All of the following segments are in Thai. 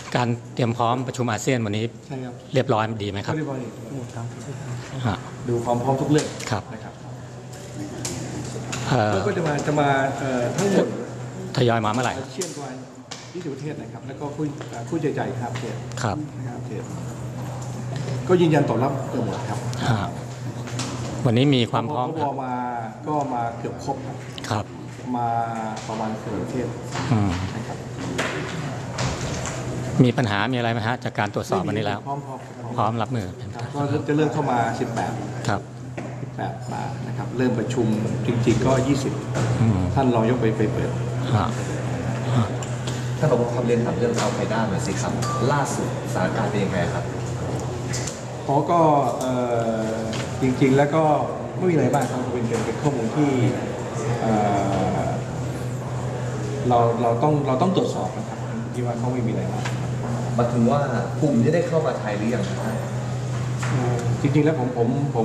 การเตรียมพร้อมประชุมอาเซียนวันนี้ใช่ครับเรียบร้อยดีไหมครับเรียบร้อยหมดครับดูความพร้อมทุกเรื่องครับนะครับแล้วก็จะมาทั้งหมดทยอยมาเมื่อไหร่เชี่ยนกว่า20 ประเทศนะครับแล้วก็ผู้ใจใจครับประเทศครับประเทศก็ยืนยันตอบรับเกือบหมดครับวันนี้มีความพร้อมก็มาเกือบครบครับมาประมาณ10 ประเทศนะครับมีปัญหามีอะไรไหมฮะจากการตรวจสอบวันนี้แล้วพร้อมรับมือก็จะเริ่มเข้ามา18 ครับมานะครับเริ่มประชุมจริงๆก็20ท่านรองยกไปเปิดถ้าเราคำเรียนถามเรื่องอัลไคด้าหน่อยสิครับล่าสุดสถานการณ์เป็นยังไงครับก็จริงๆแล้วก็ไม่มีอะไรบ้างครับเป็นข้อมูลที่เราต้องตรวจสอบนะครับที่ว่าเขาไม่มีอะไรมากมาถึงว่ากลุ่มที่ได้เข้ามาไทยหรือยังครับจริงๆแล้วผม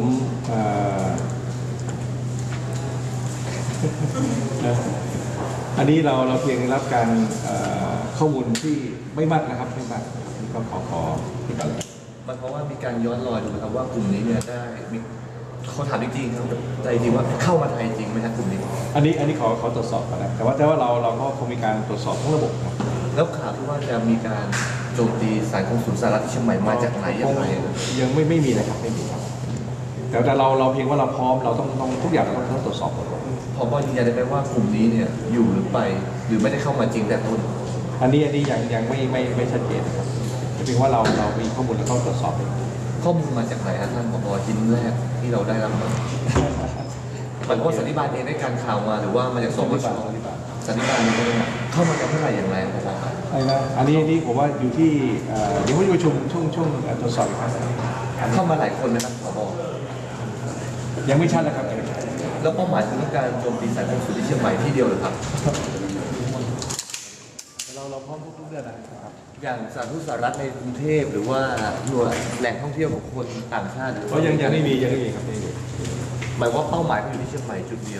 อันนี้เราเพียงรับการข้อมูลที่ไม่มากนะครับไม่มากก็ขอที่กันมันเพราะว่ามีการย้อนรอยดูนะครับว่ากลุ่มนี้เนี่ยได้มีเขาถามจริงๆครับใจจริงว่าเข้ามาไทยจริงไหมครับกลุ่มนี้อันนี้ขอตรวจสอบก่อนนะแต่ว่าเราก็คงมีการตรวจสอบทั้งระบบแล้วข่าวที่ว่าจะมีการโจมตีสายกงสุลสหรัฐที่เชียงใหม่มาจากไหนยังไงยังไม่มีเลยครับไม่มีครับแต่เราเพียงว่าเราพร้อมเราต้องทุกอย่างเราต้องตรวจสอบหมดพอยืนยันได้ไหมว่ากลุ่มนี้เนี่ยอยู่หรือไปหรือไม่ได้เข้ามาจริงแต่ต้นอันนี้ยังไม่ชัดเจนนะครับเพียงว่าเรามีข้อมูลแล้วก็ตรวจสอบข้อมูลมาจากไหนครับท่านผบ.ชิ้นแรกที่เราได้รับมาหมายความว่าสันนิบาตเองได้การข่าวมาหรือว่ามาจากสบช.สันนิบาตเนี่ยเข้ามาจากเท่าไหร่อย่างไรผบ. อันนี้ผมว่าอยู่ที่เดี๋ยวประชุมช่วงตรวจสอบอีกครั้งเข้ามาหลายคนนะครับผบ. ยังไม่ชัดนะครับแล้วเป้าหมายคือการโจมตีสายกงสุลที่เชียงใหม่ที่เดียวหรือครับเราพร้อมทุกเรื่องนะครับอย่างสถานทูตสหรัฐในกรุงเทพหรือว่าหน่วยแหล่งท่องเที่ยวของคนต่างชาติก็ยังไม่มีครับหมายว่าเป้าหมายเขาอยู่ที่เชียงใหม่จุดเดียว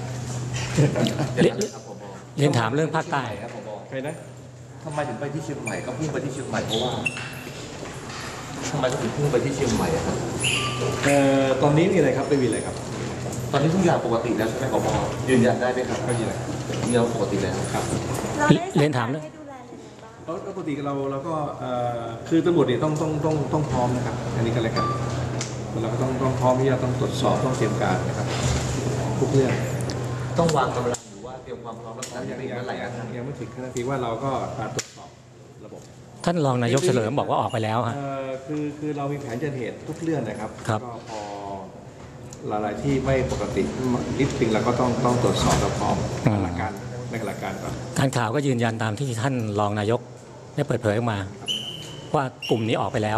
เรียนถามเรื่องภาคใต้ครับผบ. ใครนะทำไมถึงไปที่เชียงใหม่ก็พุ่งไปที่เชียงใหม่เพราะว่าทำไมถึงพุ่งไปที่เชียงใหม่ครับตอนนี้มีอะไรครับไม่มีอะไรครับตอนนี้ทุกอย่างปกติแล้วใช่ไหมผบ.ยืนยันได้ไหมครับก็ยืนยันเราปกติแล้วครับเรียนถามเลยปกติเราก็คือตำรวจเนี่ยต้องพร้อมนะครับอันนี้ก็แล้วกันเราก็ต้องพร้อมที่จะต้องตรวจสอบต้องเตรียมการนะครับทุกเรื่องต้องวางกำลังหรือว่าเตรียมความพร้อมรักษาอย่างไรยังไม่ถึงขนาดที่ว่าเราก็ตรวจสอบระบบท่านรองนายกเฉลิมบอกว่าออกไปแล้วฮะคือเรามีแผนจัดเหตุทุกเรื่องนะครับก็พอหลายที่ไม่ปกตินิดนึงเราก็ต้องตรวจสอบและพร้อมหลักการก่อนการข่าวก็ยืนยันตามที่ท่านรองนายกได้เปิดเผยออกมาว่ากลุ่มนี้ออกไปแล้ว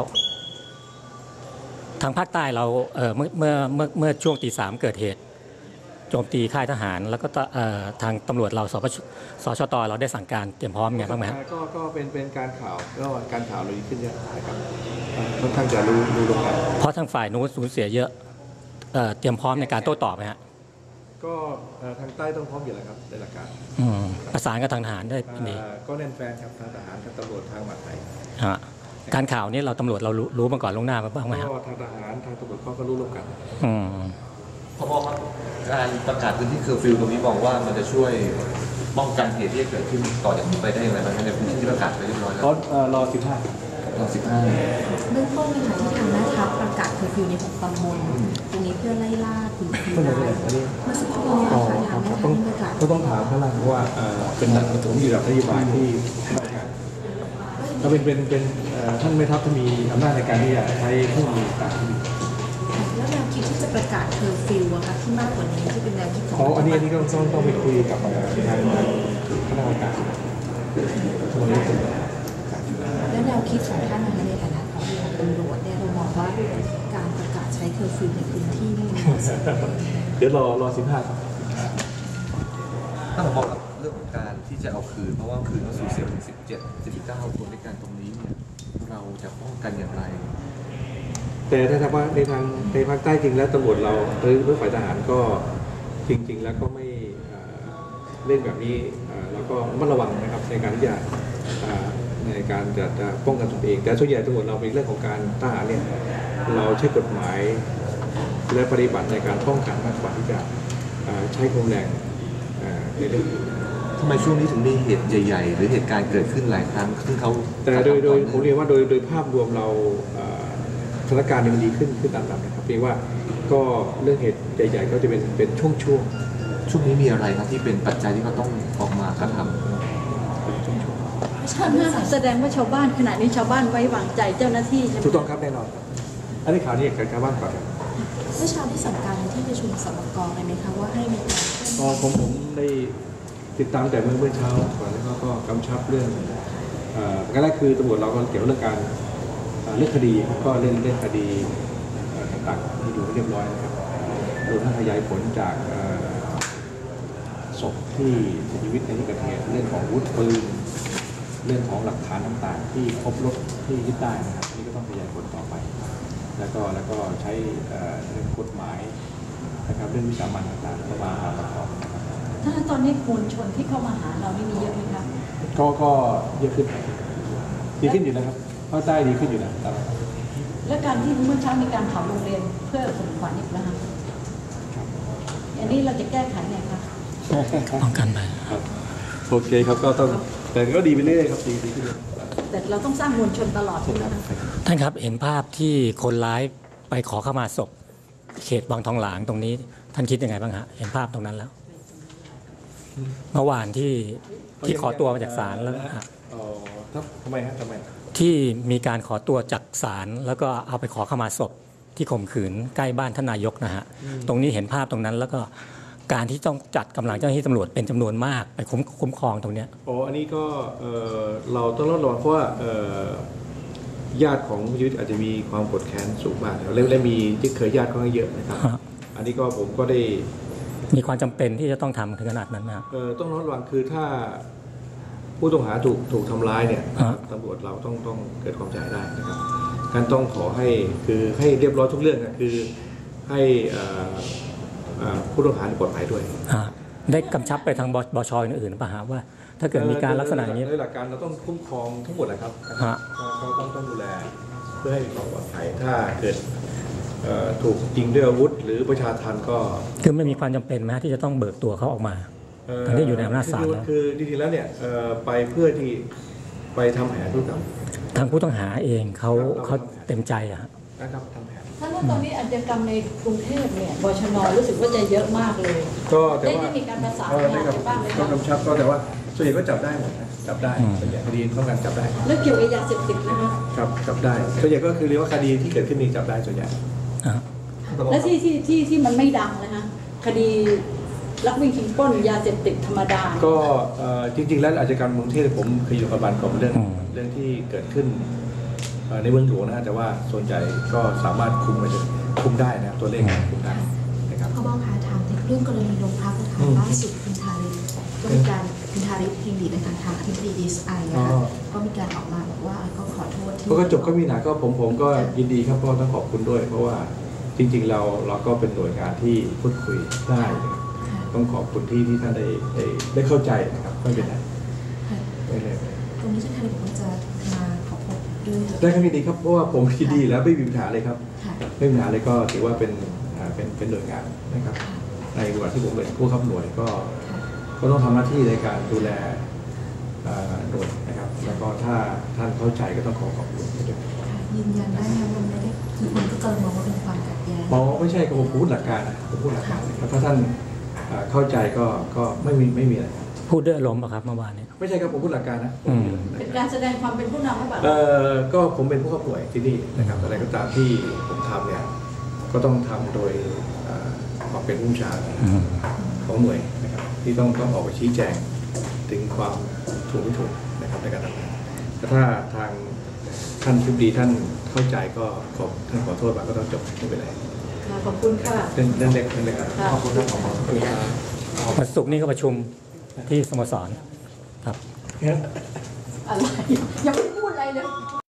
ทางภาคใต้เราเมื่อช่วงตี 3เกิดเหตุโจมตีค่ายทหารแล้วก็ทางตำรวจเราสชต.เราได้สั่งการเตรียมพร้อมไงบ้างไหมก็เป็นการข่าวก็การข่าวเราดีขึ้นเยอะนะครับค่อนข้างจะรู้ลงกันเพราะทางฝ่ายนู้นสูญเสียเยอะเตรียมพร้อมในการโต้ตอบไหมฮะก็ทางใต้ต้องพร้อมอยู่แล้วครับในหลักการประสานกับทางทหารได้ดีก็แน่นแฟนครับทางทหารทางตำรวจทางมหาดไทยการข่าวนี้เราตำรวจเรารู้มาก่อนล่วงหน้าบ้างไหมครับทางทหารทางตำรวจก็รู้ร่วมกันผบ.ครับการประกาศพื้นที่เคอร์ฟิวตรงนี้มองว่ามันจะช่วยป้องกันเหตุที่จะเกิดขึ้นต่อจากนี้ไปได้อย่างไรบ้างในพื้นที่ที่ประกาศไปเรียบร้อยแล้วรอ 15เบื้องต้นนะคะที่ทางแม่ทัพประกาศเคอร์ฟิวใน6 ตำบลตรงนี้เพื่อไล่ล่ากลุ่มผีร้ายเมื่อสักครู่นี้ค่ะทางแม่ทัพประกาศก็ต้องถามข้างล่างเพราะว่าเป็นหลักผมอยู่กับนโยบายที่ก็เป็นท่านแม่ทัพที่มีอำนาจในการที่จะใช้เครื่องมือต่างๆแล้วแนวคิดที่จะประกาศเคอร์ฟิวอะคะที่มากกว่านี้ที่เป็นแนวคิดของอันนี้ก็ต้องไปคุยกับทางคณะกรรมการแล้วแนวคิดของท่านในฐานะของตำรวจเนี่ยเรามองว่าการประกาศใช้เคอร์ฟิวในพื้นที่นี่เดี๋ยวรอ15ครับถ้าผมบอกเรื่องของการที่จะเอาคืนเพราะว่าคืนก็สูญเสียถึง19 คนในการตรงนี้เนี่ยเราจะป้องกันอย่างไรแต่ถ้าถามว่าในภาคใต้จริงแล้วตำรวจเราหรือฝ่ายทหารก็จริงๆแล้วก็ไม่เล่นแบบนี้แล้วก็ระมัดระวังนะครับในการที่จะในการจะป้องกันตนเองแต่ส่วนใหญ่ตำรวจเราเป็นเรื่องของการทหารเนี่ยเราใช้กฎหมายและปฏิบัติในการป้องกันมากกว่าที่จะใช้ความแรงในเรื่องอื่นทำไมช่วงนี้ถึงมีเหตุใหญ่ๆหรือเหตุการณ์เกิดขึ้นหลายครั้งซึ่งเขาแต่โดยผมเรียนว่าโดยภาพรวมเราสถานการณ์มันดีขึ้นตามลำดับนะครับเพียงว่าก็เรื่องเหตุใหญ่ๆก็จะเป็นช่วงนี้มีอะไรครับที่เป็นปัจจัยที่เขาต้องออกมากระทำแสดงว่าชาวบ้านขณะนี้ชาวบ้านไว้วางใจเจ้าหน้าที่ใช่ไหมถูกต้องครับแน่นอนครับอันนี้ข่าวนี้กับชาวบ้านก่อนครับเมื่อเช้าได้สั่งการในที่ประชุมสบกเลยไหมคะว่าให้มีการผมได้ติดตามแต่เมื่อเช้าก่อนแล้วก็กำชับเรื่องการแรกคือตำรวจเราก็เกี่ยวเรื่องการเรื่องคดีก็เรื่องคดีต่างๆที่ดูเรียบร้อยนะครับโดยทั้งขยายผลจากศพที่เสียชีวิตในที่เกิดเหตุเรื่องของอาวุธปืนเรื่องของหลักฐานต่างๆที่พบรถที่ยึดได้นะครับนี่ก็ต้องขยายผลต่อไปแล้วก็ใช้เรื่องกฎหมายนะครับเรื่องวิสามันต่างๆเข้ามาประกอบนะครับถ้าตอนนี้มวลชนที่เข้ามาหาเรานี่มีเยอะไหมครับก็เยอะขึ้นดีขึ้นอยู่นะครับภาคใต้ดีขึ้นอยู่นะครับและการที่เมื่อเช้ามีการเผาโรงเรียนเพื่อข่มขวัญอีกแล้วครับอันนี้เราจะแก้ไขไงครับป้องกันไปครับโอเคครับก็ต้องแต่ก็ดีไปเรื่อยๆครับดีขึ้นแต่เราต้องสร้างมวลชนตลอดใช่ไหมครับท่านครับเห็นภาพที่คนร้ายไปขอเข้ามาศพเขตวังทองหลางตรงนี้ท่านคิดยังไงบ้างฮะเห็นภาพตรงนั้นแล้วเมื่อวานที่ขอตัวมาจากศาลแล้วฮะทำไมฮะทำไมที่มีการขอตัวจากศาลแล้วก็เอาไปขอเข้ามาศพที่ข่มขืนใกล้บ้านท่านนายกนะฮะตรงนี้เห็นภาพตรงนั้นแล้วก็การที่ต้องจัดกำลังเจ้าหน้าที่ตำรวจเป็นจำนวนมากไปคุ้มครองตรงเนี้ยอันนี้ก็เราต้องระวังเพราะว่าญาติของผู้ชีวิตอาจจะมีความกดแค้นสูงมากและมีที่เคยญาติค่อนข้างเยอะนะครับอันนี้ก็ผมก็ได้มีความจำเป็นที่จะต้องทำถึงขนาดนั้นนะต้องระวังคือถ้าผู้ต้องหาถูกทำร้ายเนี่ยตำรวจเราต้องเกิดความใจได้นะครับการต้องขอให้ให้เรียบร้อยทุกเรื่องนะคือให้ผู้ต้องหาปลอดภัยด้วยได้กำชับไปทางบช.อื่นๆป่ะฮะว่าถ้าเกิดมีการลักษณะอย่างนี้โดยหลักการเราต้องคุ้มครองทั้งหมดนะครับก็ต้องดูแลเพื่อให้มีความปลอดภัยถ้าเกิดถูกยิงด้วยอาวุธหรือประชาทันก็คือไม่มีความจำเป็นไหมที่จะต้องเบิกตัวเขาออกมาทั้งที่อยู่ในอำนาจศาลแล้วคือจริงๆแล้วเนี่ยไปเพื่อที่ไปทำแผนธุรกรรมทางผู้ต้องหาเองเขาเต็มใจอะนะครับทำแผนถ้าตอนนี้อาชญากรรมในกรุงเทพเนี่ยบชน.รู้สึกว่าจะเยอะมากเลยก็แต่ว่าได้มีการประสานงานบ้างไหมครับก็กำชับก็แต่ว่าส่วนใหญ่ก็จับได้หมดจับได้ส่วนใหญ่คดีต้องการจับได้แล้วเกี่ยวกับยาเสพติดนะครับจับได้ส่วนใหญ่ก็คือเรียกว่าคดีที่เกิดขึ้นนี้จับได้ส่วนใหญ่และที่มันไม่ดังนะคะคดีลักวิ่งชิงปล้นยาเสพติดธรรมดาก็จริงๆแล้วอาชญากรรมกรุงเทพผมเคยอยู่กับบันกับเรื่องที่เกิดขึ้นในเมืองหลวงนะแต่ว่าส่วนใหญ่ก็สามารถคุมได้นะตัวเลขคุมได้นะครับเขาบอกค่ะถามถึงเรื่องกรณีโรงพักนะคะล่าสุดคุณทาริศก็มีการคุณทาริศพิมพ์ดีในทางอธิบดีDSIนะคะก็มีการออกมาบอกว่าก็ขอโทษที่ก็จบก็มีหนาก็ผมก็ยินดีครับก็ต้องขอบคุณด้วยเพราะว่าจริงๆเราก็เป็นหน่วยงานที่พูดคุยได้ต้องขอบคุณที่ท่านได้เข้าใจนะครับไม่เป็นไรตรงนี้ท่านทาริศบอกว่าจะมาขอพบด้วยได้ครับยินดีครับเพราะว่าผมยินดีแล้วไม่มีปัญหาเลยครับไม่มีปัญหาเลยก็ถือว่าเป็นหน่วยงานนะครับในวันที่ผมเป็นผู้ขับหน่วยก็ต้องทำหน้าที่ในการดูแลหน่วยนะครับแล้วก็ถ้าท่านเข้าใจก็ต้องขอบคุณด้วยยืนยันได้ไหมว่าไม่ได้คือคนก็เกินมองว่าเป็นความขัดแย้งไม่ใช่ก็ผมพูดหลักการนะผมพูดหลักการแล้วถ้าท่านเข้าใจก็ไม่มีอะไรพูดด้วยอารมณ์ป่ะครับเมื่อวานนี้ไม่ใช่ครับผมพูดหลักการนะเป็นการแสดงความเป็นผู้นำหรือเปล่าก็ผมเป็นผู้ขับหน่วยที่นี่นะครับอะไรก็ตามที่ผมทำเนี่ยก็ต้องทำโดยความเป็นผู้บัญชาการของหน่วยนะครับที่ต้องออกไปชี้แจงถึงความถูกไม่ถูกนะครับในการทำงานแต่ถ้าทางท่านผู้ดีท่านเข้าใจก็ท่านขอโทษมาก็ต้องจบไม่เป็นไรขอบคุณค่ะเรื่องเล็กขอบคุณครับวันศุกร์นี้ก็ประชุมที่สโมสรครับอะไรยังไม่พูดอะไรเลย